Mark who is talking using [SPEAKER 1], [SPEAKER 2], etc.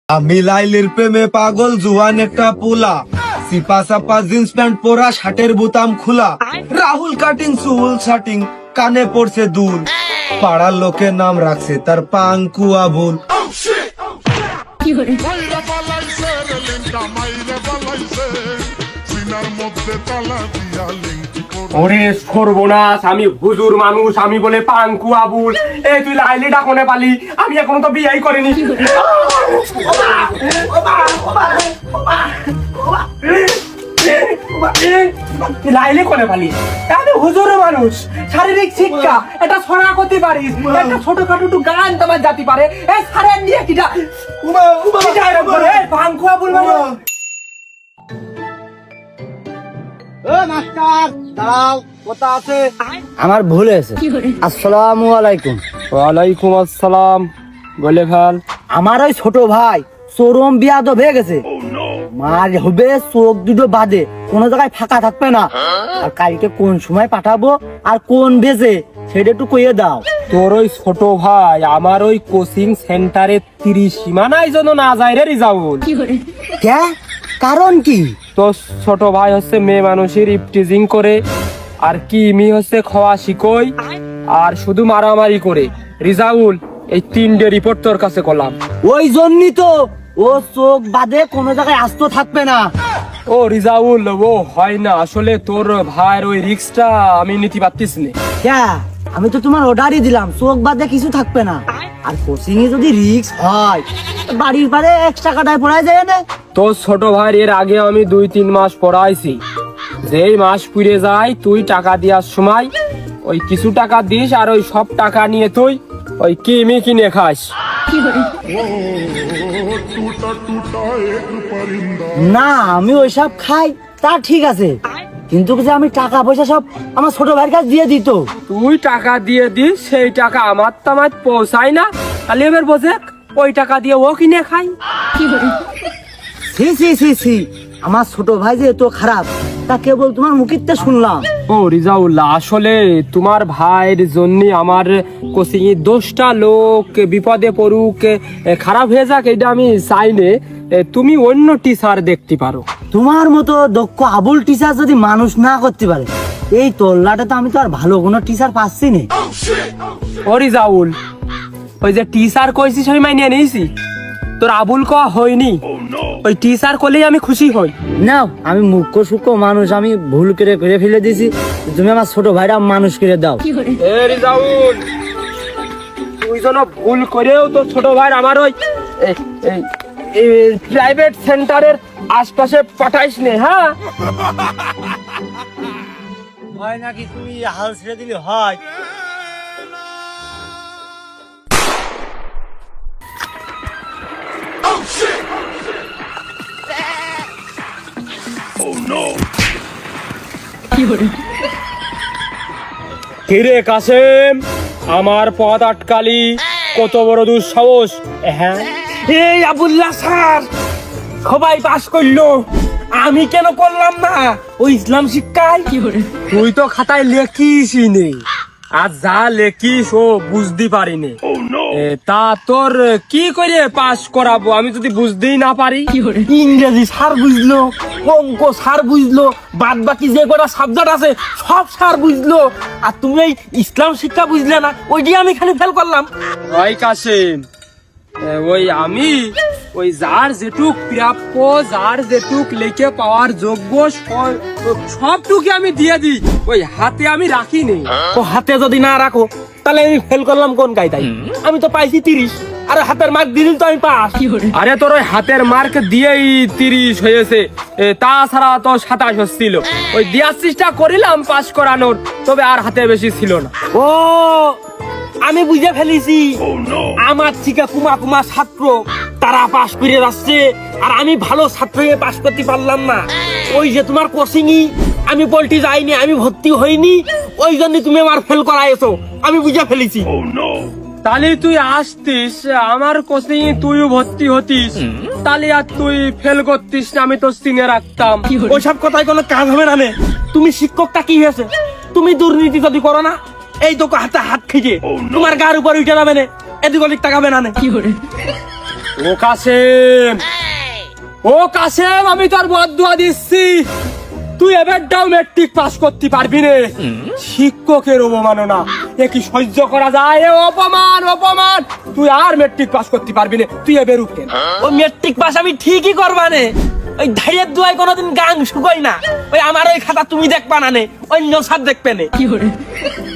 [SPEAKER 1] আমি লাইলির প্রেমে পাগল জুয়ান একটা পোলা, সিপা সাপা জিন্স প্যান্ট পরা, শার্টের বোতাম খোলা, রাহুল কাটিং চুল শাটিং, কানে পড়ছে দুল, পাড়ার লোকে নাম রাখছে তার পাঙ্কু আবুল।
[SPEAKER 2] ওরে সর্বনাশ, আমি হুজুর মানুষ, আমি বলে পাঙ্কু আবুল। এই তুই লাইলিটা কোনে পালি? আমি এখনো তো বিয়েই করিনি। লাইলি কোনে পালি? আমি হুজুর মানুষ, শারীরিক শিক্ষা এটা ছড়া করতে পারিস, একটা ছোটখাটো একটু গান তোমার জাতি পারে। এই সারেন দিয়ে কিটা পাঙ্কু আবুল মানে
[SPEAKER 3] আমার ভুল হয়েছে। আসসালামু আলাইকুম।
[SPEAKER 2] ওয়ালাইকুম আসসালাম। বলে ভাল।
[SPEAKER 3] আমার ওই ছোট ভাই চরম বিয়াদব হয়ে গেছে। মার হবে চোখ দুটো বাদে, কোনো জায়গায় ফাঁকা থাকবে না। আর কালকে কোন সময় পাঠাবো আর কোন বেজে সেটা একটু কইয়ে দাও।
[SPEAKER 2] তোর ওই ছোট ভাই আমার ওই কোচিং সেন্টারে 30 সীমানায় যেন না যায় রে রিজাউল।
[SPEAKER 3] কে? কারণ কি?
[SPEAKER 2] তোর ছোট ভাই হচ্ছে মেয়ে মানুষের ইপটিজিং করে, আর কি মি হচ্ছে খাওয়া শিকই, আর শুধু মারামারি করে। রিজাউল, এই 3টে রিপোর্ট তোর কাছে করলাম।
[SPEAKER 3] ওই জন্যই তো ও চোখ বাদে কোনো জায়গায় আস্ত থাকবে না।
[SPEAKER 2] ও রিজাউল, ও হয় না, আসলে তোর ভাইয়ের ওই রিস্কটা আমি নিতে পারতিস না।
[SPEAKER 3] কে? আমি তো তোমার অর্ডারই দিলাম, চোখ বাদে কিছু থাকবে না। আর কোচিং এ যদি রিস্ক হয়, বাড়ির পারে এক্সট্রা কাটায় পড়ায় যায় না।
[SPEAKER 2] তোর ছোট ভাইয়ের এর আগে আমি 2-3 মাস পড়াইছি। যেই মাস পুড়ে যায় তুই টাকা দেওয়ার সময় ওই কিছু টাকা দিস, আর ওই সব টাকা নিয়ে তুই ওই কিমি কিনে খাস।
[SPEAKER 3] না, আমি ওইসব খাই তা ঠিক আছে, কিন্তু যে আমি টাকা পয়সা সব আমার ছোট ভাইয়ের কাছে দিয়ে দিত।
[SPEAKER 2] তুই টাকা দিয়ে দিস, সেই টাকা আমার তামার পৌঁছায় না, খালি এবার বোঝে ওই টাকা দিয়ে ও কিনে খাই।
[SPEAKER 3] সি সি সি সি, আমার ছোট ভাই যে এত খারাপ তা কেবল তোমার মুখিতে শুনলাম।
[SPEAKER 2] ও রিজাউল্লাহ, আসলে তোমার ভাইয়ের জন্য আমার কোচিং এ 10টা লোক বিপদে পড়ুক, খারাপ হয়ে যাক, এটা আমি চাই না। তুমি অন্য টিচার দেখতে পারো।
[SPEAKER 3] তোমার মতো দক্ষ আবুল টিচার যদি মানুষ না করতে পারে, এই তোল্লাটা তো আমি তো আর ভালো কোনো টিচার পাচ্ছি না।
[SPEAKER 2] ও রিজাউল, ওই যে টিচার কইছিস আমি মাইনে নিয়েছি, তোর আবুল কয়া হয়নি। ওই টিচার করলেই আমি খুশি হই।
[SPEAKER 3] নাও, আমি মুখ্য সূক্ষ্ম মানুষ, আমি ভুল করে করে ফেলে দিয়েছি, তুমি আমার ছোট ভাইরা মানুষ করে দাও।
[SPEAKER 2] এ রিজাউল, তুই যেন ভুল করেও তোর ছোট ভাই আমার ওই প্রাইভেট সেন্টারের আশপাশে পাঠাইস নে। হ্যাঁ,
[SPEAKER 3] হয় নাকি তুমি হাল ছেড়ে দিলে হয়?
[SPEAKER 2] কিরে কাসেম, আমার পথ আটকালি, কত বড় দুঃসাহস! হ্যাঁ, এই আবুল্লাহ স্যার সবাই পাস করলো, আমি কেন করলাম না? ওই ইসলাম শিক্ষায় তুই তো খাতায় লেখিসই নে, আর যা লেখিস ও বুঝতে পারিনি। তা তোর কি করে পাস করাবো আমি যদি বুঝতেই না পারি?
[SPEAKER 3] ইংরেজি স্যার বুঝলো, অঙ্ক স্যার বুঝলো, বাদ বাকি যে কটা সাবজেক্ট আছে সব স্যার বুঝলো, আর তুমি এই ইসলাম শিক্ষা বুঝলে না, ওইটি আমি খালি ফেল করলাম।
[SPEAKER 2] ওই কাসেম, ওই আমি ওই যার যেটুক প্রাপ্য, যার যেটুক লেখে পাওয়ার যোগ্য সবটুকু আমি দিয়ে দিই, ওই হাতে আমি রাখি নি।
[SPEAKER 3] ও হাতে যদি না রাখো তাহলে আমি ফেল করলাম কোন কায়দায়? আমি তো পাইছি 30, আর হাতের মার্ক দিলেই তো আমি পাস।
[SPEAKER 2] আরে তোর ওই হাতের মার্ক দিয়েই 30 হয়েছে, তাছাড়া তো 27 হচ্ছিল। ওই দেওয়ার চেষ্টা করিলাম পাস করানোর, তবে আর হাতে বেশি ছিল না।
[SPEAKER 3] ও, আমি বুঝে ফেলেছি, আমার থেকে কুমা কুমা ছাত্র তারা পাস করে যাচ্ছে, আর আমি ভালো ছাত্রকে পাস করতে পারলাম না। ওই যে তোমার কোচিংই আমি পল্টি যাইনি, আমি ভর্তি হইনি, ওই জন্য তুমি আমার ফেল করাইছো, আমি বুঝে ফেলেছি।
[SPEAKER 2] তাহলে তুই আসতিস আমার কোচিং, তুইও ভর্তি হতিস, তাহলে আর তুই ফেল করতিস না, আমি তো চিনে রাখতাম।
[SPEAKER 3] ওইসব কথায় কোনো কাজ হবে না নে। তুমি শিক্ষকটা কি হয়েছে? তুমি দুর্নীতি যদি করো না, এই তো হাতে হাত খেয়ে তোমার গার উপর উঠে যাবে না, এদিক ওদিক তাকাবে না।
[SPEAKER 2] ও কাসেম, ও কাসেম, আমি তোর বদদুয়া দিচ্ছি, তুই এবারটাও মেট্রিক পাস করতে পারবি না। শিক্ষকের অবমাননা এ কি সহ্য করা যায়? এ অপমান, অপমান। তুই আর মেট্রিক পাস করতে পারবি না, তুই এবার উঠে।
[SPEAKER 3] ও মেট্রিক পাস আমি ঠিকই করবানে, ওই ধাইয়ের দুয়ায় কোনোদিন গাং শুকোই না। ওই আমার ওই খাতা তুমি দেখবা না নে, অন্য স্যার দেখবে নে।